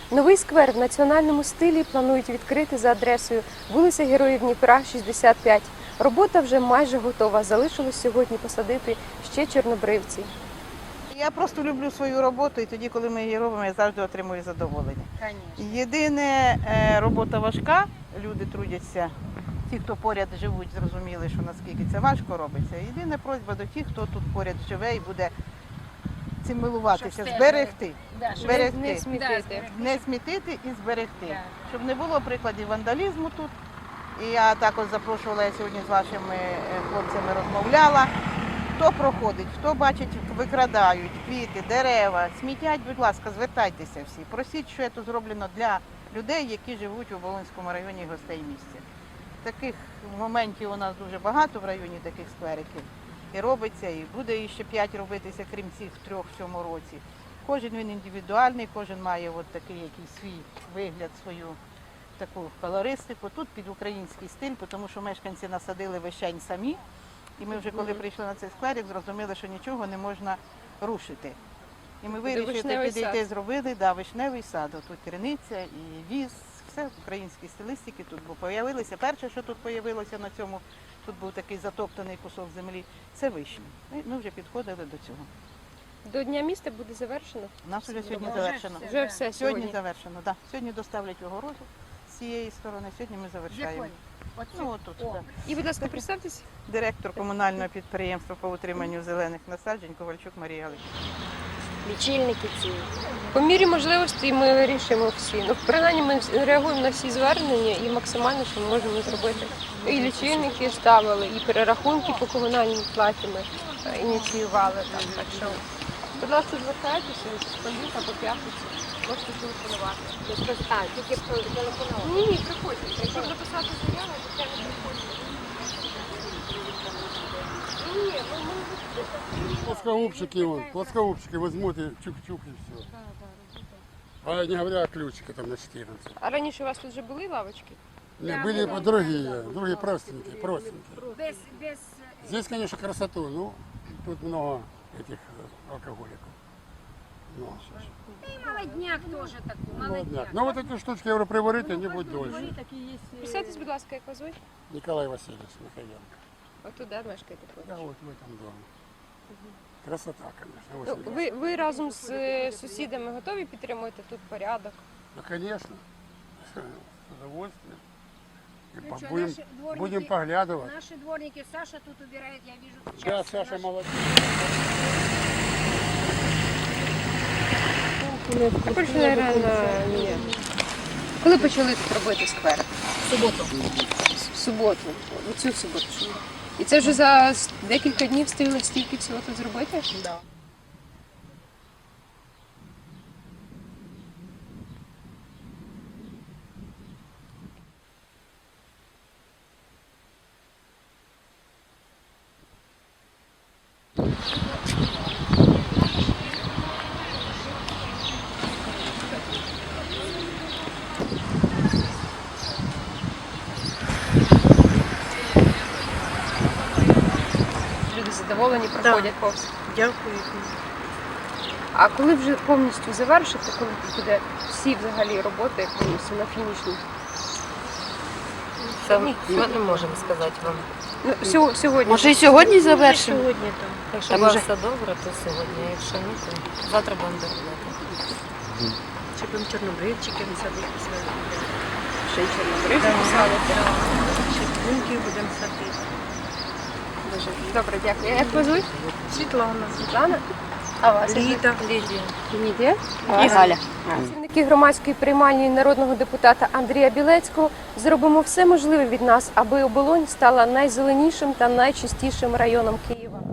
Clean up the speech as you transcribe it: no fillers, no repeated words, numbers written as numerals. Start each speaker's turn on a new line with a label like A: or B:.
A: Новий сквер в національному стилі планують відкрити за адресою вулиця Героїв Дніпра, 65. Робота вже майже готова. Залишилось сьогодні посадити ще чорнобривці.
B: Я просто люблю свою роботу, і тоді, коли ми її робимо, я завжди отримую задоволення. Єдине, робота важка, люди трудяться. Ті, хто поряд живуть, зрозуміли, що наскільки це важко робиться. Єдина просьба до тих, хто тут поряд живе і буде цим милуватися, зберегти.
A: Не смітити.
B: Не смітити і зберегти. Щоб не було прикладів вандалізму тут. І я також запрошувала, я сьогодні з вашими хлопцями розмовляла. Хто проходить, хто бачить, викрадають квіти, дерева, смітять, будь ласка, звертайтеся всі. Просіть, що це зроблено для людей, які живуть у Оболонському районі гостей місця. Таких моментів у нас дуже багато в районі, таких сквериків. І робиться, і буде ще 5 робитися, крім цих 3 в цьому році. Кожен він індивідуальний, кожен має от такий якийсь свій вигляд, свою таку колористику. Тут під український стиль, тому що мешканці насадили вишень самі. І ми вже коли прийшли на цей скверик, зрозуміли, що нічого не можна рушити. І ми вирішили підійти, зробили вишневий сад. Тут криниця і віз, все в українській стилістиці тут появилося. Перше, що тут появилося на цьому, тут був такий затоптаний кусок землі, це вишні. Ми вже підходили до цього.
A: До Дня міста буде завершено?
B: У нас вже сьогодні завершено.
A: Вже все
B: Сьогодні завершено, так. Сьогодні доставлять в огорожу з цієї сторони, сьогодні ми завершаємо. Отут, так.
A: І, будь ласка, представтесь.
B: Директор комунального підприємства по утриманню зелених насаджень Ковальчук Марія Галичівна.
C: Лічильники ці.
A: По мірі можливості ми вирішуємо всі. Ну, принаймні ми реагуємо на всі звернення і максимально, що ми можемо зробити. І лічильники ставили, і перерахунки по комунальній платі ми ініціювали. Так що, будь ласка, звертайтеся з понеділка по п'ятницю. Можете телефонувати.
C: Тільки телефонувати.
A: Ні, приходьте. Якщо записати заяву, то це не приходьте. Ні,
D: плоскогубчики возьмут и чук-чук и все. А не говоря о ключике там на 14.
A: А раніше у вас тут вже були лавочки?
D: Не, были другие простенькие. Здесь, конечно, красоту, ну, тут много этих алкоголиков.
C: І молодняк теж такий,
D: Молодняк. Ну вот эти штучки, я говорю, приварить, они будут дольше.
A: Представтесь, будь ласка, як вас звуть?
D: Николай Васильевич Михаенко.
A: Отут, де мешкаєте поруч?
D: Да, вот в этом доме. Красота, конечно.
A: Ну,
D: Очень
A: ви разом з сусідами готові підтримувати тут порядок?
D: Ну, конечно, с удовольствием. И
C: Ну что,
D: будем,
C: наши дворники-
D: будем поглядывать.
C: Наші дворники, Саша тут убирает, я вижу.
D: Да,
C: часто.
D: Саша
C: Наши-
D: молодец.
A: Коли почали тут робити сквер? В суботу. У цю суботу. І це вже за декілька днів встигли стільки всього тут зробити?
C: Да.
A: Люди задоволені, проходять повз.
B: Дякую.
A: А коли вже повністю завершите, коли тут буде всі взагалі роботи повністю на фінішній?
E: Ми не можемо сказати вам.
A: Ну, сьогодні.
F: Може і сьогодні завершимо?
E: Якщо буде все добре, то сьогодні. А якщо ні, то завтра будемо доробляти.
F: Чи будемо чорнобривчики садити свої?
A: Ще й чорнобривці писали.
F: Чи бунки будемо садити?
A: Дуже добре, дякую. Як вас звуть?
F: Світлана.
A: Світлана? А вас?
F: Ліда.
A: Лідія.
F: І Галя.
A: Працівники громадської приймальні народного депутата Андрія Білецького зробимо все можливе від нас, аби Оболонь стала найзеленішим та найчистішим районом Києва.